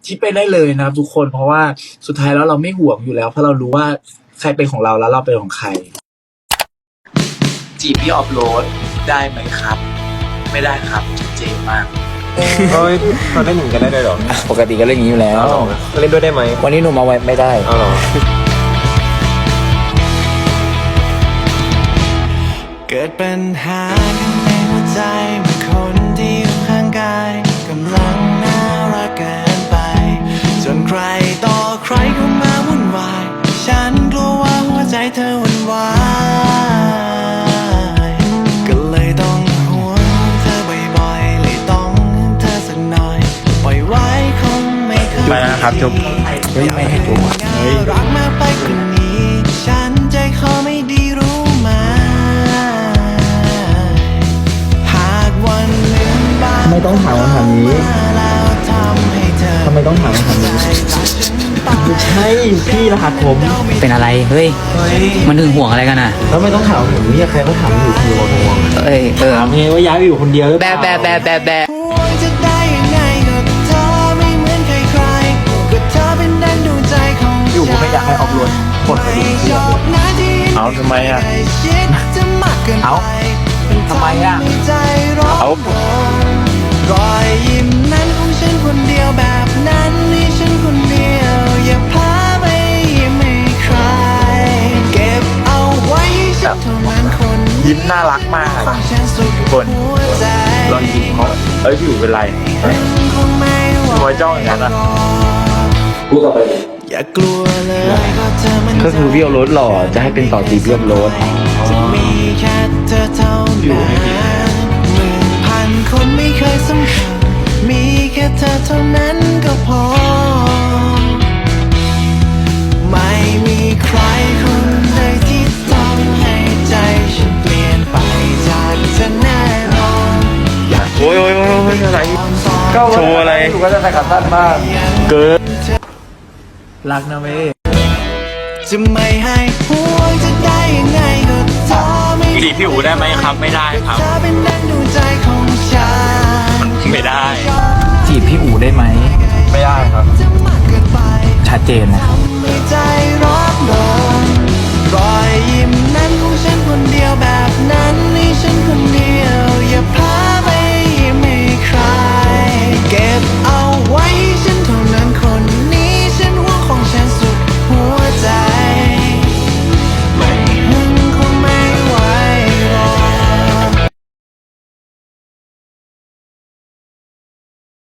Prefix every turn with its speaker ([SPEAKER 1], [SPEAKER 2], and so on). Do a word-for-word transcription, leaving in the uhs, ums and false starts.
[SPEAKER 1] ที่เป็นได้เลยนะครับทุกคนเพราะว่าสุดท้ายแล้วเราไม่ห่วงอยู่แล้วเพราะเรารู้ว่าใครเป็นของเราแล้วเราเป็นของใครจีบพี่ออฟโรดได้ไหมครับไม่ได้ครับเจ๋งมาก
[SPEAKER 2] เฮ้ยเขาเล่นหนึ่งกันได้ด้วยเหรอ
[SPEAKER 3] ปกติก็เล่นอย่างนี้อยู่แล้ว
[SPEAKER 2] เล่นด้วยได้ไหม
[SPEAKER 3] วันนี้หนูมาไว้ไม่ได้
[SPEAKER 2] เอาหรอ
[SPEAKER 4] เกิดปัญหากันในหัวใจเมื่อคนที่อยู่ข้างกายกำลังน่ารักเกินไปจนใครต่อใครเข้ามาวุ่นวายฉันกลัวว่าหัวใจเธอวุ่นวายก็เลยต้องห่วงเธอบ่อยๆเลยต้องเธอสักหน่อยปล่อยไว้คงไม่เคย
[SPEAKER 2] ไปนะครับจุ๊บ
[SPEAKER 3] เฮ้ยไม่ให้จุ๊บ
[SPEAKER 4] เฮ้ยรักมากไปกว่านี้ฉันใจคอไม่ดีรู้ไหม
[SPEAKER 3] ไม่ต้องถามคำถามนี้ทำไมต้องถามคำถามนี้ไม่ใช่พี่รหัสผม
[SPEAKER 5] เป็นอะไรเฮ้ยมันถึงห่วงอะไรกันอ่ะ
[SPEAKER 3] แล้วไม่ต้องถามผมนี่ใครก็ถามอยู่คือห่วง
[SPEAKER 5] เอ้ยเออ
[SPEAKER 3] ถามเองว่าย้ายไปอยู่คนเดียวหรือเปล่า
[SPEAKER 5] แบะแบะแบะแบะ
[SPEAKER 4] จะได้ยังไงก็เธอไม่เหมือนใครใครก็เธอเป็นดังดวงใจของฉัน
[SPEAKER 3] อยู่ไม่อยากให้ออกรถคนไปดูเรื่อง
[SPEAKER 2] เอาทำไมอ่ะ
[SPEAKER 3] เอาทำไมอ่ะ
[SPEAKER 2] เอา
[SPEAKER 4] รอยยิ้มนั้นของฉันคนเดียวแบบนั้นนี่ฉันคนเดียวอย่าพาไปยิ้มให้ใครเก็บเอาไว้ฉันเท่านั้นคน
[SPEAKER 2] ยิ้มน่ารักมากทุกคนลองยิ้มเขาเอ้ยอยู่เป็นไรหัวจ้องอย่างนั้นอ่ะ
[SPEAKER 3] พูดต่อไป
[SPEAKER 4] อย่ากลัวเลย
[SPEAKER 3] ก็คือพี่เอารถหล่อจะให้เป็นต่อตีพี่เอารถ
[SPEAKER 4] จะมีแค่เธอเท่านั้นหมื่นพันคนไม่เคยสำคัญมีแค่เธอเท่านั้นก็พอไม่มีใครคนใดที่ทำให้ใจฉันเปลี่ยนไปจากเธอแน่นอน
[SPEAKER 2] โอ้ยโอ้ยโอ้ยอะไรโชว์อะไร
[SPEAKER 3] ถูกก็จะใส่ขาสั้นมาก
[SPEAKER 2] เกิน
[SPEAKER 3] รักนะเว้ย
[SPEAKER 4] จะไม่ให้ห่วงจะได้ยังไงก็เธอไม่
[SPEAKER 2] จีบพี่อู๋ได้ไหมครับไม่ได้ครับ
[SPEAKER 4] เธอเป็นดังดวงใจของฉัน
[SPEAKER 2] ไม่ได้
[SPEAKER 3] จีบพี่อู๋ได้ไหม
[SPEAKER 2] ไม่ได้ครับ
[SPEAKER 3] ชัดเจนนะ
[SPEAKER 4] ใจร้อนรนรอยยิ้มนั้นของฉันคนเดียวแบบนั้นนี่ฉันคนเดี